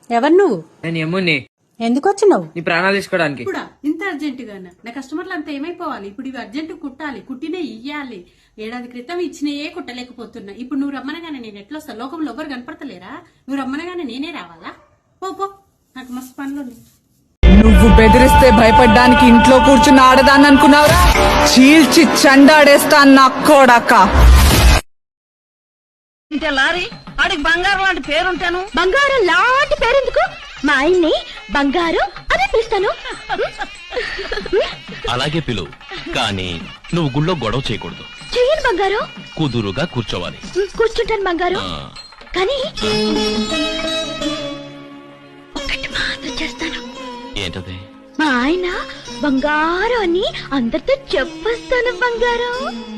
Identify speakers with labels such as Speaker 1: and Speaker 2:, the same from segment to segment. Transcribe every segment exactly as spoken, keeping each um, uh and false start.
Speaker 1: ఎవరు నువ్వు?
Speaker 2: నేను యమ్ముని.
Speaker 1: ఎందుకు వచ్చినావు?
Speaker 2: నీ ప్రాణాలు తీసుకోవడానికి.
Speaker 3: ఇప్పుడు ఇంత అర్జెంట్ గానా? నా కస్టమర్లు అంతా ఏమైపోవాలి? ఇప్పుడు ఇవి అర్జెంట్ కుట్టాలి, కుట్టినే ఇయ్యాలి. ఏడాది క్రితం ఇచ్చినయే కుట్టలేకపోతున్నా. ఇప్పుడు నువ్వు రమ్మనగానే నేను ఎట్లా వస్తా? లోకంలో ఎవరు కనపడతలేరా? నువ్వు రమ్మనగానే నేనే రావాలా? పో పో, నాకు మస్తు పనులు.
Speaker 4: నువ్వు బెదిరిస్తే భయపడ్డానికి ఇంట్లో కూర్చుని ఆడదాన్ని అనుకున్నావురా? చీల్చి చండాడేస్తా నా కొడక.
Speaker 5: లారీ ఆడికి బంగారం లాంటి పేరుంటాను.
Speaker 6: బంగారం లాంటి పేరెందుకు? మా ఆయన్ని బంగారు అని పిలుస్తాను.
Speaker 7: అలాగే పిలువు, కానీ నువ్వు గుళ్ళో గొడవ చేయకూడదు.
Speaker 6: చెయ్యను బంగారు.
Speaker 7: కుదురుగా కూర్చోవాలి.
Speaker 6: కూర్చుంటాను బంగారు, కానీ ఒకటి మాత్రం చేస్తాను.
Speaker 7: ఏంటది?
Speaker 6: మా ఆయన బంగారు అని అందరితో చెప్పేస్తాను బంగారం.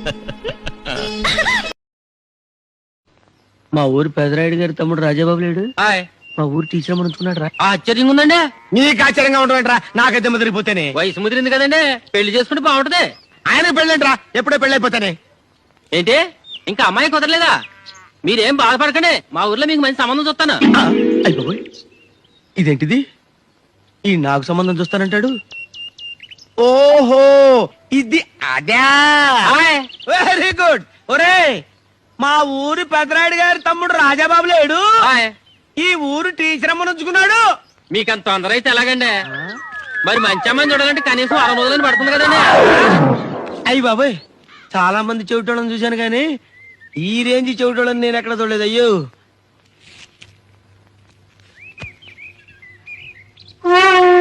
Speaker 8: మా ఊరు పెదరాయుడు గారి తమ్ముడు రాజాబాబు లేడు, మా ఊరు టీచర్ అనుకున్నాడు రా.
Speaker 2: ఆశ్చర్యంగా ఉందండి.
Speaker 8: నీకు ఆశ్చర్యంగా ఉండవేంట్రా? నాకైతే ముదిరిపోతేనే.
Speaker 2: వయసు ముదిరింది కదండి, పెళ్లి చేసుకుంటే బాగుంటది.
Speaker 8: ఆయన పెళ్ళంట్రా, ఎప్పుడో పెళ్ళైపోతానే.
Speaker 2: ఏంటి ఇంకా అమ్మాయి కుదరలేదా? మీరేం బాధపడకండి, మా ఊర్లో మీకు మంచి సంబంధం చూస్తాను.
Speaker 8: అయిపోయి ఇదేంటిది? ఈ నాకు సంబంధం చూస్తానంటాడు. ఓహో, ఇది అదే. Very good. ఒరే, మా ఊరు పెదరాయుడు గారి తమ్ముడు రాజాబాబు లేడు, ఈ ఊరు టీచర్ అమ్మ నుంచుకున్నాడు.
Speaker 2: మీకంత తొందర అయితే ఎలాగండి? మరి మంచి అమ్మాయిని చూడాలంటే కనీసం అరవై రోజులని పడుతుంది కదండి.
Speaker 8: అయ్యి బాబాయ్, చాలా మంది చెవిటోళ్ళని చూశాను కానీ ఈ రేంజ్ చెవిటోళ్ళని నేను ఎక్కడ చూడలేదు. అయ్యో